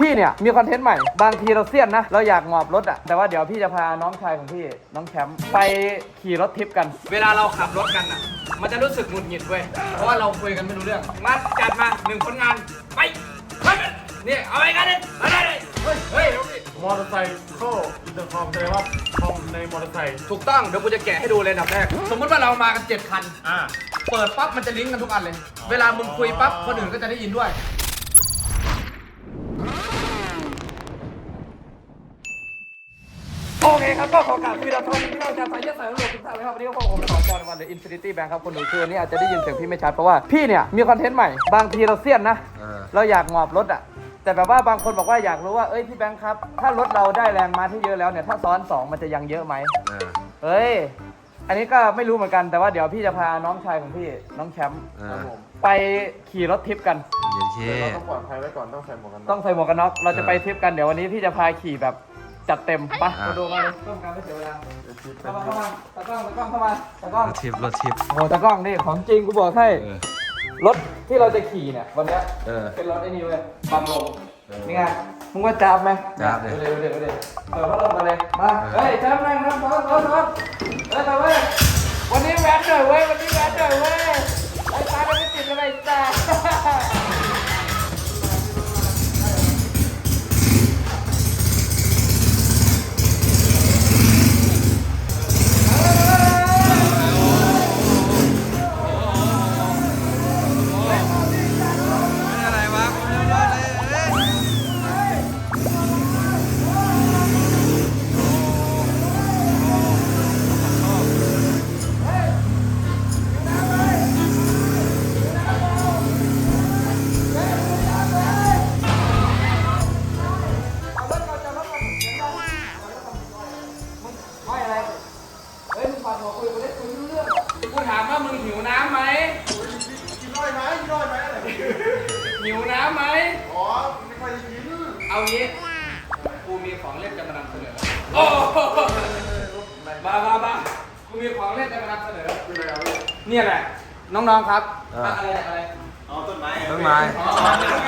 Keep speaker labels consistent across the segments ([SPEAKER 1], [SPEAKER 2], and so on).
[SPEAKER 1] พี่เนี่ยมีคอนเทนต์ใหม่บางทีเราเซียนนะเราอยากหมอบรถอะแต่ว่าเดี๋ยวพี่จะพาน้องชายของพี่น้องแชมป์ไปขี่รถทิปกันเวลาเราขับรถกันอะมันจะรู้สึกหงุดหงิดเว้ยเพราะว่าเราคุยกันไม่รู้เรื่องมาจัดมา1ผลงานไปนี่เอาไปกันเลยมาเลยเฮ้ย
[SPEAKER 2] มอเตอร์ไซค์เข้าอินเตอร์คอมแสดงว่าคอมในมอเตอร์ไซค์
[SPEAKER 1] ถูกต้องเดี๋ยวกูจะแกะให้ดูเลยอันดับแรกสมมติว่าเรามากัน7คันเปิดปั๊บมันจะลิงก์กันทุกอันเลยเวลามึงคุยปั๊บคนอื่นก็จะได้ยินด้วยโอเคครับก็ขอกราบพี่เราทอนพี่เราจะใส่เยอะใส่รวมทุกท่านเลยครับวันนี้ก็ผมขอจอนวันเดอะอินฟินิตี้แบงค์ครับคนดูคือวันนี้อาจจะได้ยินเสียงพี่ไม่ชัดเพราะว่าพี่เนี่ยมีคอนเทนต์ใหม่บางทีเราเซียนนะเราอยากหมอบรถอะแต่แบบว่าบางคนบอกว่าอยากรู้ว่าเอ้ยพี่แบงค์ครับถ้ารถเราได้แรงม้าที่เยอะแล้วเนี่ยถ้าซ้อน2มันจะยังเยอะไหมเฮ้ยอันนี้ก็ไม่รู้เหมือนกันแต่ว่าเดี๋ยวพี่จะพาน้องชายของพี่น้องแชมป์ไปขี่รถทิปกัน
[SPEAKER 2] เราต้องปลอดภัยไว้ก่อนต้องใส่หมวกกันน็อก
[SPEAKER 1] ต้องใส่หมวกกันน็อกเราจะไปทิปกันเดี๋ยววันนี้พี่จะพาขี่แบบจัดเต็มปะมาดูมาเลยต้องการไม่เสียเวลาเข้ามาตะกล้องเข้ามาตะกล้อง
[SPEAKER 3] รถทิป
[SPEAKER 1] โอ้ตะกล้องนี่ของจริงกูบอกให้รถที่เราจะขี่เนี่ยวันนี้เป็นรถไอ้นี่เว้ยปั๊มลมนี่ไงมึงว่าจับไหม
[SPEAKER 3] จับเลย
[SPEAKER 1] เดี๋ยวเปิดพัดลมกันเลยมาเฮ้ยจับนั่งน้ำซ้อนไปเว้ยวันนี้แว้นหน่อยเว้ยไอ้ตาไม่ติดอะไรจ้าถามว่ามึงหิวน้ำไหม
[SPEAKER 2] กินน้อยไหมอะไร
[SPEAKER 1] หิวน้ำไหม
[SPEAKER 2] อ๋อไม่ค่อยกิน
[SPEAKER 1] เอางี้กูมีของเล่นจะมานำเสนอโอ้มากูมีของเล่นจะมานำเสนอเนี่ยแหละน้องๆครับอะไร
[SPEAKER 2] อ๋อต้นไม้
[SPEAKER 1] อ๋อ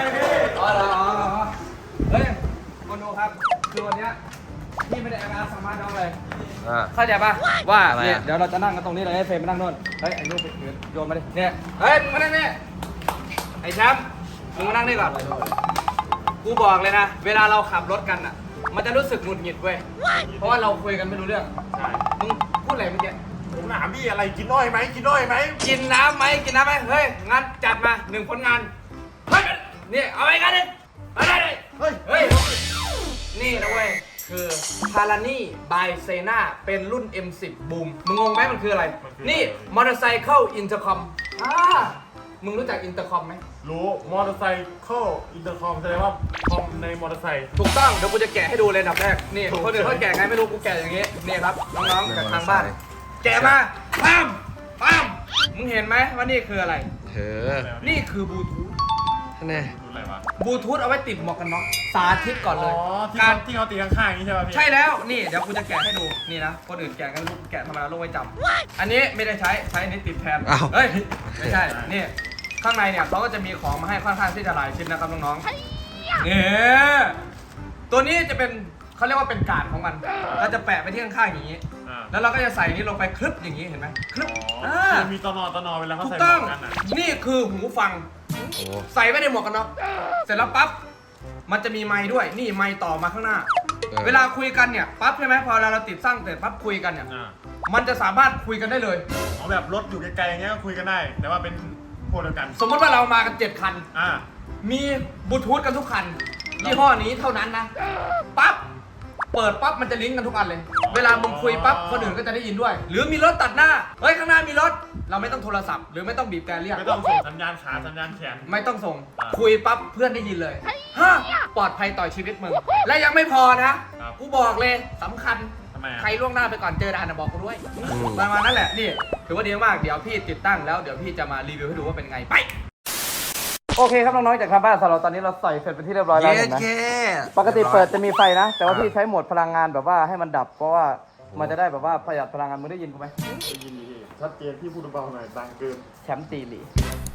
[SPEAKER 1] เฮ้ยคนดูครับคือวันนี้พี่ไม่ได้เอามาสมาร์ทน้องเลยเข้าใจป่ะว่าเนี่ยเดี๋ยวเราจะนั่งกันตรงนี้เลยให้เฟรมมานั่งโน่นเฮ้ยไอ้ลูกไปโยนมาดิเนี่ยเฮ้ยมานั่งนี่ไอ้แชมป์มึงมานั่งนี่ก่อนกูบอกเลยนะเวลาเราขับรถกันอ่ะมันจะรู้สึกหงุดหงิดเว้ยเพราะว่าเราคุยกันไม่รู้เรื่องมึงพูดอะไรเมื่อกี้
[SPEAKER 2] ผมถามพี่อะไรกินน้อยไหมกินน้
[SPEAKER 1] ำไหมเฮ้ยงั้นจัดมา1ผลงานนี่เอาไปกันเลยมาเลยเฮ้ยนี่นะเว้ยคือพารานี่บายเซนาเป็นรุ่น M10 บูมมึงงงไหมมันคืออะไรนี่มอเตอร์ไซค์เข้าอินเตอร์คอมมึงรู้จักอินเตอร์คอมไหม
[SPEAKER 2] รู้มอเตอร์ไซค์เข้าอินเตอร์คอมแสดงว่าคอมในมอเตอร์ไซค์
[SPEAKER 1] ถูกต้องเดี๋ยวกูจะแกะให้ดูเลยอันดับแรกนี่คนอื่นเขาแกะไงไม่รู้กูแกะอย่างงี้นี่ครับน้องๆจากทางบ้านแกะมาปั๊มมึงเห็นไหมว่านี่คืออะไรนี่คือบลูทูธ
[SPEAKER 3] นี่
[SPEAKER 1] บลูทูธเอาไว้ติดหมวกกันน็อกสาธิตก่อนเลย
[SPEAKER 2] การที่เขาตีข้างๆนี้ใช่ไหมพี่
[SPEAKER 1] ใช่แล้วนี่เดี๋ยวกูจะแกะให้ดูนี่นะคนอื่นแกะกันลูกแกะธรรมดาลูกไว้จำอันนี้ไม่ได้ใช้อันนี้ติดแทนเฮ้ยไม่ใช่นี่ข้างในเนี่ยเขาก็จะมีของมาให้ค่อนข้างที่จะหลายชิ้นนะครับน้องๆนี่ตัวนี้จะเป็นเขาเรียกว่าเป็นการ์ดของมันเราจะแปะไปที่ข้างๆอย่างนี้แล้วเราก็จะใส่นี้ลงไปคลึบอย่างนี้เห็นไหมคลึบ
[SPEAKER 2] มีตนอเวลาเขาใส่
[SPEAKER 1] หมวกกันนี่คือหูฟังใส่ไว้ในหมวกกันน็อกเสร็จแล้วปั๊บมันจะมีไมค์ด้วยนี่ไมค์ต่อมาข้างหน้าเวลาคุยกันเนี่ยปั๊บใช่ไหมพอเราติดตั้งเสร็จปั๊บคุยกันเนี่ยมันจะสามารถคุยกันได้เลย
[SPEAKER 2] เอาแบบรถอยู่ไกลๆอย่างเงี้ยคุยกันได้แต่ว่าเป็นพวกเดียวกัน
[SPEAKER 1] สมมติว่าเรามากัน7คันมีบลูทูธกันทุกคันยี่ห้อนี้เท่านั้นนะปั๊บเปิดปั๊บมันจะลิงก์กันทุกอันเลยเวลามึงคุยปั๊บคนอื่นก็จะได้ยินด้วยหรือมีรถตัดหน้าเฮ้ยข้างหน้ามีรถเราไม่ต้องโทรศัพท์หรือไม่ต้องบีบแกเรียก
[SPEAKER 2] ไม่ต้องส่งสัญญาณขาสัญญาณแขน
[SPEAKER 1] ไม่ต้องส่งคุยปั๊บเพื่อนได้ยินเลยปลอดภัยต่อชีวิตมึงและยังไม่พอนะกูบอกเลยสำคัญใครล่วงหน้าไปก่อนเจอด่านบอกกูด้วยประมาณนั้นแหละนี่ถือว่าดีมากเดี๋ยวพี่ติดตั้งแล้วเดี๋ยวพี่จะมารีวิวให้ดูว่าเป็นไงไปโอเคครับน้องๆจากทางบ้านสำหรับตอนนี้เราใส่เสร็จเป็นที่เรียบร้อยแล้วเห็นไหมปกติเปิดจะมีไฟนะแต่ว่าพี่ใช้โหมดพลังงานแบบว่าให้มันดับเพราะว่ามันจะได้แบบว่าประหยัดพลังงานมึงได้ยินกูไหม
[SPEAKER 2] ได้ยินดีชัดเจนที่พูดเบาหน่อยดังเกิน
[SPEAKER 1] แชมป์ตีหลี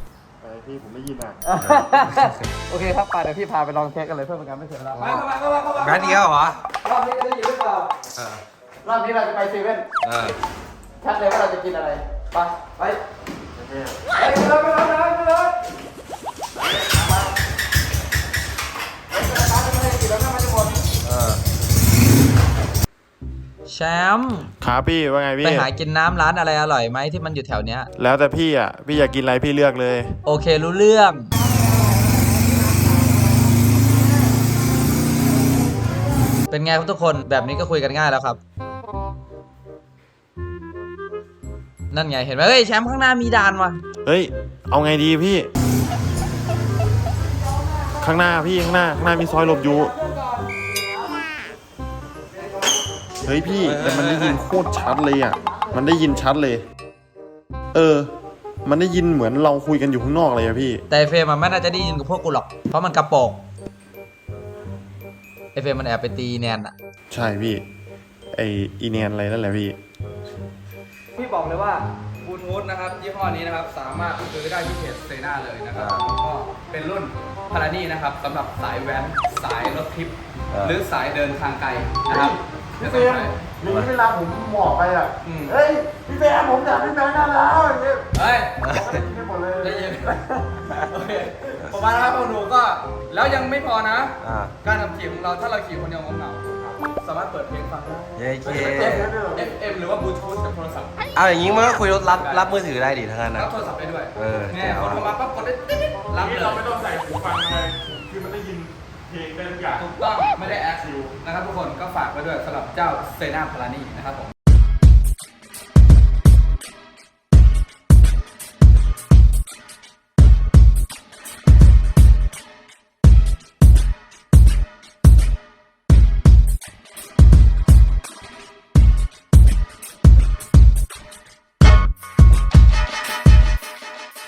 [SPEAKER 2] พี่ผมได้ยินอ่ะ
[SPEAKER 1] โอเคครับไปเดี๋ยวพี่พาไปลองเทสกันเลยเพื่อเป็นการไม่เสียเวลาไปเข้ามา
[SPEAKER 3] แป๊บเดียวเหรอ
[SPEAKER 1] รอบนี้จะได้ยินหรือเปล่าร อบนี้เราจะไปเซเว่นชัดเลยว่าเราจะกินอะไรไปไปเลย
[SPEAKER 3] แชมป์
[SPEAKER 2] ครับพี่ว่าไงพี่
[SPEAKER 3] ไปหากินน้ำร้านอะไรอร่อยไหมที่มันอยู่แถวเนี้ย
[SPEAKER 2] แล้วแต่พี่อ่ะพี่อยากกินอะไรพี่เลือกเลย
[SPEAKER 3] โอเครู้เรื่อง เป็นไงครับทุกคนแบบนี้ก็คุยกันง่ายแล้วครับ นั่นไงเห็นไหมเฮ้ยแชมป์ข้างหน้ามีด่านว่ะ
[SPEAKER 2] เฮ้ยเอาไงดีพี่ ข้างหน้าพี่ข้างหน้ามีซอยหลบอยู่เฮ้ยพี่แต่มันได้ยินโคตรชัดเลยอ่ะมันได้ยินชัดเลยมันได้ยินเหมือนเราคุยกันอยู่ข้างนอกเลยอะพี่
[SPEAKER 3] แต่ไอ้เฟรมมันไม่น่าจะได้ยินกับพวกกูหรอกเพราะมันกระโปรงไอเฟรมมันแอบไปตีแนนอะ
[SPEAKER 2] ใช่พี่ไออีเนียนอะไรนั่นแหละพี่
[SPEAKER 1] พี่บอกเลยว่าบลูทูธนะครับยี่ห้อนี้นะครับสามารถซื้อได้ที่เพจเซน่าเลยนะครับแล้วก็เป็นรุ่นพารานี่นะครับสำหรับสายแว้นสายรถทริปหรือสายเดินทางไกลนะครับ
[SPEAKER 2] พี่เฟรมอย่างนี้เวลาผมบอกไปอ่ะเฮ้ยพี่เฟรมผมอยากพี่แบงค์ได้แล้วอย่างเงี้ย
[SPEAKER 1] เฮ้ย
[SPEAKER 2] ไม่หมดเลย
[SPEAKER 1] ได้ยินโอเคประมาณนะครับพวกหนูก็แล้วยังไม่พอนะ การขับขี่ของเราถ้าเราขี่คนเดียวเหงาๆสามารถเปิดเพลงฟังได้
[SPEAKER 3] เย้เค
[SPEAKER 1] FM หรือว่าบลูทูธจากโทรศัพท์
[SPEAKER 3] เอาอย่างนี้มันก็คุยรับมือถือได้ดิทั้งนั้นนะ
[SPEAKER 1] รับโทรศัพท์ได้ด้วย
[SPEAKER 3] แจ๋
[SPEAKER 1] เนี่ยว คนโทรมาปั๊บกดได้ติ๊ดรับเลย
[SPEAKER 2] เราไม่ต้องใส่หูฟังอะไรคือมันได้ยินเพลงได้ทุกอย่าง
[SPEAKER 1] ถูกต้องไม่ได้แอดซิลนะครับทุกคนก็ฝากไว้ด้วยสำหรับเจ้าเซน่าพารานี่นะครับผม